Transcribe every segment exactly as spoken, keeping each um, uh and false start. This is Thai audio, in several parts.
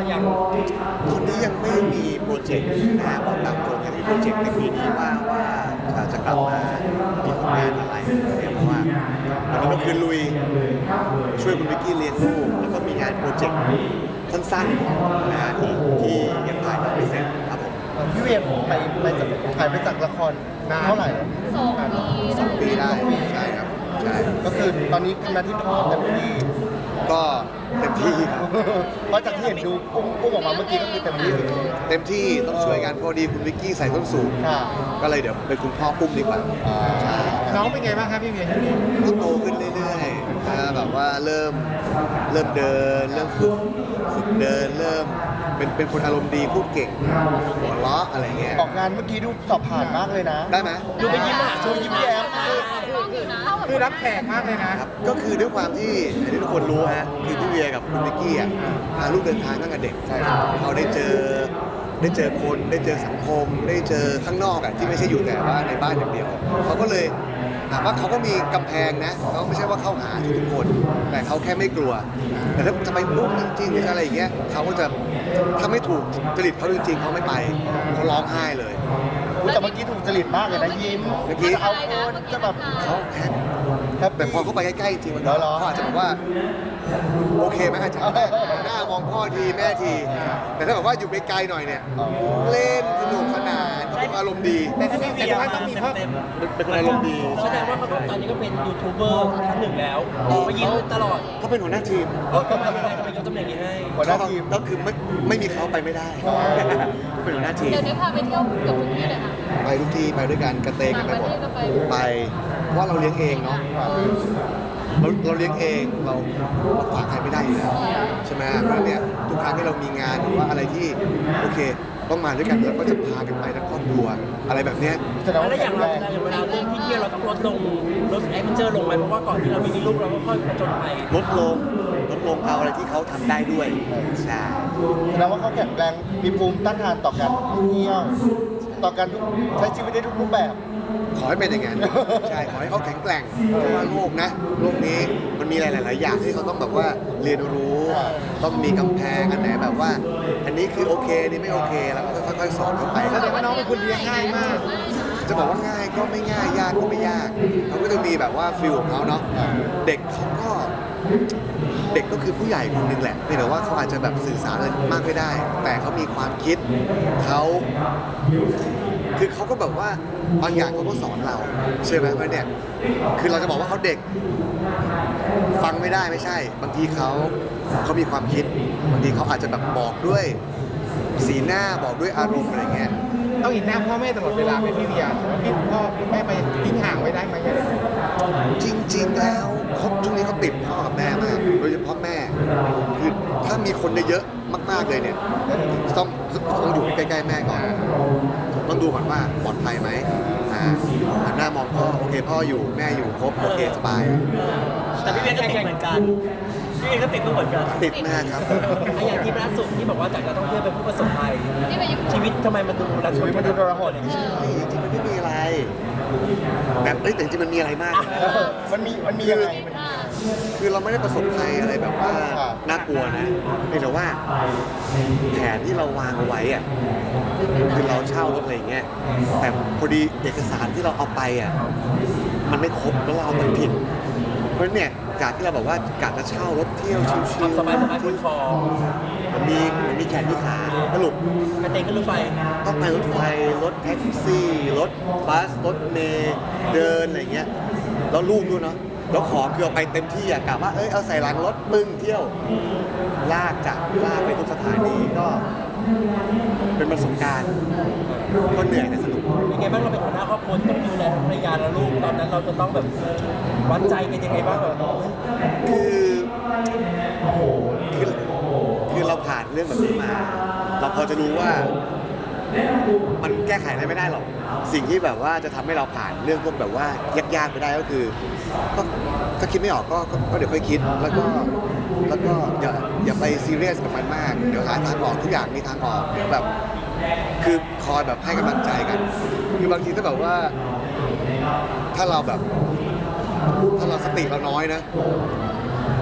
ยังตอนนี้ยังไม่มีโปรเจกต์นะฮะบอกตามตรงยังมีโปรเจกต์ในปีนี้ว่าว่าจะกลับมามีผลงานอะไรเนี่ยเพราะว่าตอนนี้ก็คือลุยช่วยคุณวิกกี้เลี้ยงลูกแล้วก็มีงานโปรเจกต์สั้นๆนะฮะที่ที่ยังถ่ายไม่เสร็จครับผมพี่เวียไปไปจากถ่ายไปจากละครนานเท่าไหร่สองปีสองปีได้ใช่ครับใช่ก็คือตอนนี้ทำหน้าที่พ่อเต็มที่ก็เต็มที่ครับเพราะจากที่เห็นดูอุ้มอุ้มออกมาเมื่อกี้ก็คือเต็มที่สุดเต็มที่ต้องช่วยกันพอดีคุณวิกกี้ใส่ส้นสูงค่ะก็เลยเดี๋ยวเป็นคุณพ่อปุ้มดีกว่าใช่น้องเป็นไงบ้างครับพี่เวียก็โตขึ้นเรื่อยๆนะแบบว่าเริ่มเริ่มเดิน เริ่มฝึกฝึกเดิน เริ่มเป็นเป็นคนอารมณ์ดีพูดเก่งหัวเราะอะไรเงี้ยออกงานเมื่อกี้ดูสอบผ่านมากเลยนะได้ไหมดูไปยิ้มอ่ะดูยิ้มแย้มต้องอยู่นะคือรับแขกมากเลยนะครับก็คือด้วยความที่อย่างที่ทุกคนรู้ฮะคือพี่เวียกับคุณวิกกี้อ่ะพาลูกเดินทางตั้งแต่เด็กใช่ครับเขาได้เจอได้เจอคนได้เจอสังคม ได้เจอข้างนอกอ่ะที่ไม่ใช่อยู่แต่ว่าในบ้านอย่างเดียวเขาก็เลยถามว่าเขาก็มีกำแพงนะเขาไม่ใช่ว่าเข้าหาทุกๆคน แต่เขาแค่ไม่กลัว แต่ถ้าจะไปปุ๊บจริงๆหรืออะไรอย่างเงี้ยเขาก็จะถ้าไม่ถูกจริตเขาจริงๆเขาไม่ไปเขาร้องไห้เลยอุ๊ยแต่เมื่อกี้ถูกจริตมากเลยนะยิ้มเมื่อกี้จะเอาคนจะแบบเขาแค่แฮปแต่ปี้พอเขาไปใกล้ๆจริงๆมันเหรอเขาอาจจะบอกว่าโอเคไหมอาจารย์หน้ามองพ่อทีแม่ที แต่ถ้าแบบว่าอยู่ไกลๆหน่อยเนี่ยเล่นสนุกสนานเขาเป็นอารมณ์ดีแต่ถ้าพี่เวียต้องมีพ่อเป็นคนอารมณ์ดีแสดงว่าเขาตอนนี้ก็เป็นยูทูบเบอร์ท่านหนึ่งแล้วมายิ้มตลอดเขาเป็นหัวหน้าทีมเออทำไมไม่ได้ทำไมยกตำแหน่งนี้ให้หัวหน้าทีมก็คือไม่ไม่มีเขาไปไม่ได้เขาเป็นหัวหน้าทีมเดี๋ยวนี้พาไปเที่ยวเกือบทุกที่เลยค่ะไปทุกที่ไปด้วยกันกระเตงกันไปหมดต่างประเทศก็ไปไปเพราะว่าเราเลี้ยงเองเนาะเราเราเลี้ยงเองเราเราฝากใครไม่ได้อยู่แล้วใช่ไหมเพราะฉะนั้นเนี่ยทุกครั้งที่เรามีงานหรือว่าอะไรที่โอเคต้องมาด้วยกันเราก็จะพากันไปทั้งครอบครัวอะไรแบบเนี้ยแสดงว่าแล้วอแข็ย่างงเวแรลาง อย่างเวลาเรื่องที่เที่ยวเราต้องลดลงลดแอดเวนเจอร์ลงไหมเพราะว่าก่อนที่เรามีลูกเราก็ค่อยประจนภัยลดลงลดลงเอาอะไรที่เขาทำได้ด้วยใช่แสดงว่าเขาแข็งแรงมีภูมิต้านทานต่อการท่องเที่ยวต่อการใช้ชีวิตได้ทุกรูปแบบขอให้เป็นอย่างนั้นใช่ขอให้เขาแข็งแกร่งเพราะว่าโลกนะโลกนี้มันมีหลาย ๆ อย่างที่เขาต้องแบบว่าเรียนรู้ ต้องมีกำแพงอันไหนแบบว่า อันนี้คือโอเคอันนี่ไม่โอเคแล้วก็ค่อยๆสอนเขาไปแสดงว่าน้องเป็นคนเลี้ยงง่ายมากจะบอกว่าง่ายก็ไม่ง่ายยากก็ไม่ยากเขาก็จะมีแบบว่าฟิลของเขาเนาะเด็กเขาก็เด็กก็คือผู้ใหญ่คนหนึงแหละเพียงแต่ว่าเขาอาจจะแบบสื่อสารอะไรมากไม่ได้ แต่เขามีความคิดเขาคือเขาก็แบบว่าบางอย่างเขาก็สอนเราใช่ไหมเพราะเนี่ยคือเราจะบอกว่าเขาเด็กฟังไม่ได้ไม่ใช่ บางทีเขาเขามีความคิดบางทีเขาอาจจะแบบบอกด้วยสีหน้าบอกด้วยอารมณ์อะไรเงี้ยต้องเห็นหน้าพ่อแม่ตลอดเวลาไหมพี่เวียถือว่าพี่พ่อคุณแม่ไปทิ้งห่างไว้ได้ไหมอะไรอย่างเงี้ยจริงๆ แล้วเขาช่วงนี้เขาติดพ่อกับแม่มาก โดยเฉพาะแม่ คือถ้ามีคนเยอะๆมากๆเลยเนี่ย ต้องต้องอยู่ใกล้ๆแม่ก่อน ต้องดูก่อนว่าปลอดภัยไหมอ่าหันหน้ามองพ่อ โอเค พ่ออยู่ แม่อยู่ครบ โอเค สบายแต่พี่เวียก็ติดเหมือนกันพี่เวียก็ติดเหมือนกันติดมากครับไอ้อย่างที่ล่าสุดที่บอกว่าจากนักท่องเที่ยวเป็นผู้ประสบภัยที่ไปญี่ปุ่นชีวิตทำไมมันดูระทชีมวิตมันดูทรหดใช่จริงๆมันไม่มีอะไรแบบเอ้ยแต่จริงๆมันมีอะไรมากนะมันมีมันมียังไงมันอ่าคือเราไม่ได้ประสบภัยอะไรแบบว่าน่ากลัวนะเพียงแต่ว่าแผนที่เราวางเอาไว้อะคือเราเช่ารถอะไรอย่างเงี้ยแต่พอดีเอกสารที่เราเอาไปอ่ะมันไม่ครบแล้วเราเอามันผิด เพราะฉะนั้นเนี่ยจากที่เราบอกว่ากะจะเช่ารถเที่ยวชิวๆสบายสบายๆบนคอมันมีมันมีแขนมีขาสรุปกระเตงขึ้นรถไฟต้องไปรถไฟรถแท็กซี่รถบัสรถเมล์เดินอะไรเงี้ยแล้วลูกด้วยเนาะแล้วของคือเอาไปเต็มที่อะกะว่าเอ้ยเอาใส่หลังรถปึ้งเที่ยว ลากจากลากไปทุกสถานีก็เป็นประสบการณ์ก็เหนื่อยแต่สนุกยังไงบ้างเราเป็นหัวหน้าครอบครัวต้องดูแลทั้งภรรยาและลูกตอนนั้นเราจะต้องแบบวัดใจกันยังไงบ้างแบบเฮ้ยคือคือคือเราผ่านเรื่องแบบนี้มา เราพอจะรู้ว่า มันแก้ไขอะไรไม่ได้หรอก สิ่งที่แบบว่าจะทำให้เราผ่านเรื่องพวกแบบว่ายากๆไปได้ก็คือ ก็ถ้าคิดไม่ออกก็ก็ก็เดี๋ยวค่อยคิด แล้วก็แล้วก็อย่าอย่าไปซีเรียสกับมันมาก เดี๋ยวหาทางออกทุกอย่างมีทางออกเดี๋ยวแบบ คือคอยแบบให้กำลังใจกัน คือบางทีถ้าแบบว่า ถ้าเราแบบ ถ้าเราสติเราน้อยนะ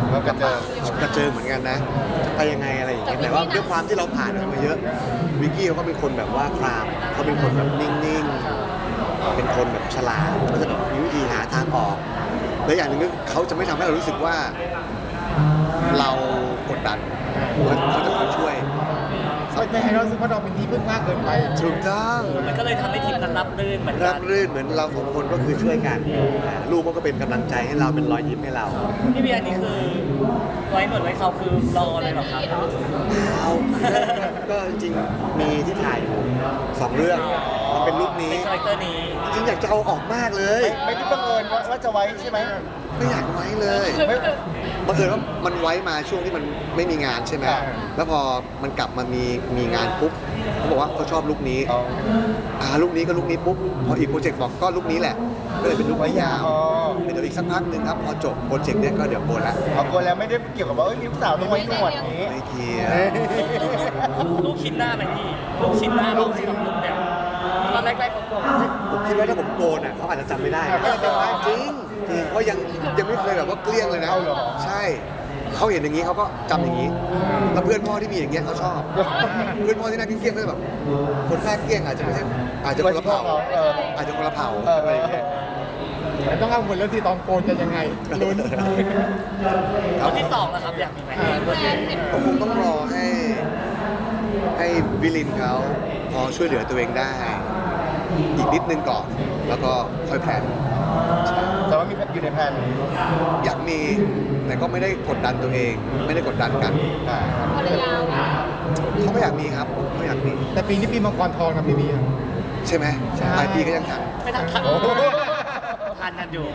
ก็กระเจิงกระเจิงเหมือนกันนะจะไปยังไงอะไรอย่างเงี้ยแต่ว่าด้วยความที่เราผ่านอะไรมาเยอะวิกกี้เขาก็เป็นคนแบบว่าครามเขาเป็นคนแบบนิ่งๆเป็นคนแบบฉลาดเขาจะแบบมีวิธีหาทางออกและอย่างหนึ่งก็เขาจะไม่ทำให้เรารู้สึกว่าเรากดดันเขาเขาจะคอยช่วยไม่ให้เรารู้สึกว่าเราเป็นที่พึ่งมากเกินไปถูกต้องมันก็เลยทำให้ทีมนั้นรับรื่นเหมือนรักับนรื่นเหมือนเราสองคนก็คือช่วยกันอ่าลูกก็เป็นกำลังใจให้เราเป็นรอยยิ้มให้เราพี่เบียร์นี่คือไว้หนวดไว้เขาคือรอเลยเหรอครับเอาก็จริงๆมีที่ถ่ายอยู่สองเรื่องมันเป็นลุคนี้เป็นคาแรคเตอร์นี้จริงๆอยากจะเอาออกมากเลยไม่ได้บังเอิญว่าว่าจะไว้ใช่ไหมไม่อยากไว้เลยไม่บังเอิญว่ามันไว้มาช่วงที่มันไม่มีงานใช่ไหมอ่าแล้วพอมันกลับมามีมีงานปุ๊บเขาบอกว่าเขาชอบลุคนี้อ๋ออ่าลุคนี้ก็ลุคนี้ปุ๊บพออีกโปรเจกต์บอกก็ลุคนี้แหละก็เลยเป็นลุคไว้ยาวอ๋อเดี๋ยวอีกสักพักหนึ่งครับพอจบโปรเจกต์เนี้ยก็เดี๋ยวโกนละเอาคนแล้วไม่ได้เกี่ยวกับว่าเอ้ยลูกสาวต้องไว้หนวดนี้ไม่เกี่ยวลูกชิ้นหน้าไหมพี่ ลูกชิ้นหน้าลูกชิ้นลูกเนี่ยตอนแรกๆผมบอกผมคิดว่าถ้าผมโกนอ่ะเขาอาจจะจำไม่ได้อ่าเขาจะจำได้จริงจริงเพราะยังยังไม่เคยแบบว่าเกลี้ยงเลยนะเอาเหรอใช่เขาเห็นอย่างนี้เขาก็จำอย่างนี้ แล้วเพื่อนพ่อที่มีอย่างเงี้ยเขาชอบ เพื่อนพ่อที่หน่าเกลี้ยงๆก็จะแบบคนหน้าเกลี้ยงอาจจะไม่ใช่อาจจะคนละเผ่าเอออาจจะคนละเผ่าเอออะไรอย่างเงี้ยแต่ต้องเอาหมดแล้วที่ตอนโกนจะยังไงลุ้นคนที่สองนะครับอยากมีไหมแฟนเห็นก็คงต้องรอให้ให้วิลินเขาพอช่วยเหลือตัวเองได้ อีกนิดนึงก่อน แล้วก็ค่อยแพลนแต่ว่ามีอยู่ในแผนอยากมีแต่ก็ไม่ได้กดดันตัวเอง ไม่ได้กดดันกันอ่าภรรยาว่ะเขาไม่อยากมีครับเขาอยากมีแต่ปีนี้ปีมังกรทองนะพี่เบียร์ใช่ไหมใช่ปลายปีก็ยังทันไม่ทันทันทันกันอยู่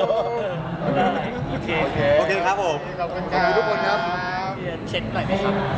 โอเคโอเคโอเคครับผมขอบคุณครับขอบคุณทุกคนครับเช็คหน่อยไหมครับ